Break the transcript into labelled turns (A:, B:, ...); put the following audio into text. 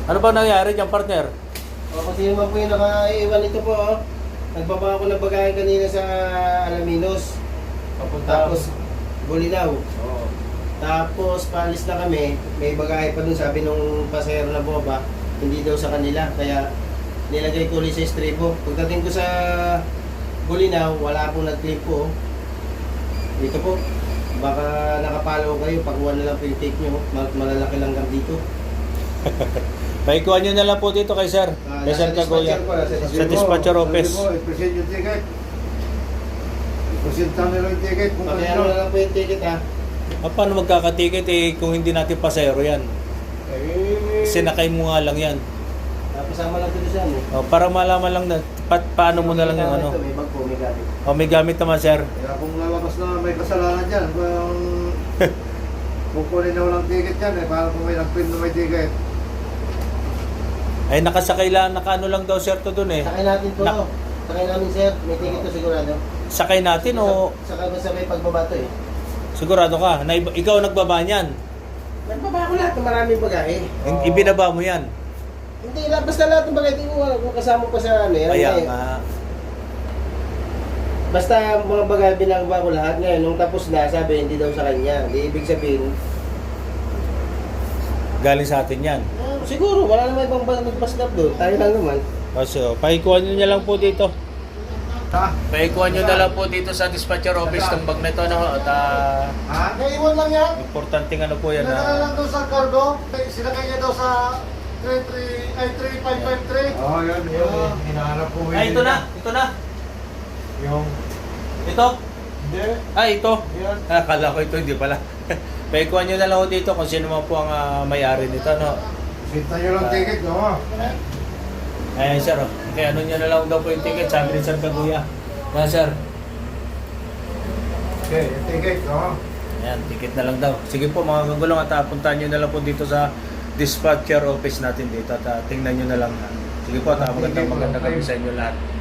A: Ano ba nangyari dyan, partner?
B: O, kasi naman po yung nakaiwan ito po. Oh. Nagbaba ako ng bagahe kanina sa Alaminos. Tapos, Bulinaw.
C: Oo.
B: Tapos, paalis na kami. May bagahe pa dun. Sabi nung pasahero na bumaba, hindi daw sa kanila. Kaya, nilagay ko ulit sa estribo. Pagdating ko sa Bulinaw, wala pong nag-clip po. Oh. Dito po. Baka nakapalo kayo. Pagkuha na lang po yung take nyo. Malalaki lang gam dito.
A: Paikuhan nyo na lang po dito kay Sir. Kay Sir Kagoya. Sa dispatcher office.
C: I-present yung ticket. I-present nila yung ticket. Kung
B: Pakiano na lang po yung ticket ha.
A: Paano magkakatiket kung hindi natin pasero yan? Sinakay mo nga lang yan.
B: Pasama lang dito siya eh.
A: Para malaman lang na paano mo na lang yung ano.
B: Ito, may bag po, may gamit.
A: May gamit naman, Sir.
C: Kaya kung lalabas na may kasalanan dyan, kung kukunin na walang ticket yan para kung may nag-print na may ticket.
A: Ay nakasakay lang, nakaano lang daw Sir to dun eh.
B: Sakay natin po. Sakay namin sir. May ticket to sigurado.
A: Sakay natin o
B: Sakay ba sa may pagbabato eh.
A: sigurado ka na ikaw nagbaba niyan?
B: Nagbaba ko lahat ng maraming bagahe.
A: Ibinaba mo yan?
B: Hindi, basta lahat ng bagahe. Hindi ko kasama pa sa ano yan.
A: Kaya
B: eh.
A: nga.
B: Basta mga bagahe binababa ko lahat ngayon. Nung tapos na, sabi hindi daw sa kanya. Hindi ibig sabihin,
A: Galing sa atin yan.
B: siguro wala naman ibang nagpaslap doon. Tayo lang naman.
A: So, paikuhan nyo na lang po dito.
C: Ha?
A: Paikuhan nyo na lang po dito sa dispatcher office ng bag na ito. No? At
C: Ha? Naiwan lang yan.
A: importanteng ano po yan.
C: Sinakay lang doon sa cargo. Sinakay niya daw sa 3553. Oo, yan. Yung hinahanap ko.
A: Ay, ito na. Ito na.
C: Yung...
A: Ito.
C: Hindi.
A: Ay, ito.
C: Yan.
A: Akala ko ito, hindi pala. Paikuhan nyo na lang po dito kung sino man po ang may-ari nito. No?
C: Sinta nyo lang ticket, no?
A: Ayan, sir. Kaya ano nyo na lang daw po yung ticket. Sabi ni Sir Kaguya. Yan, sir.
C: Okay, yung ticket, no?
A: Ayan, ticket na lang daw. Sige po mga kagulong at puntahan nyo na lang po dito sa dispatcher office natin dito at tingnan nyo na lang. Sige po at magandang gabi sa inyo lahat.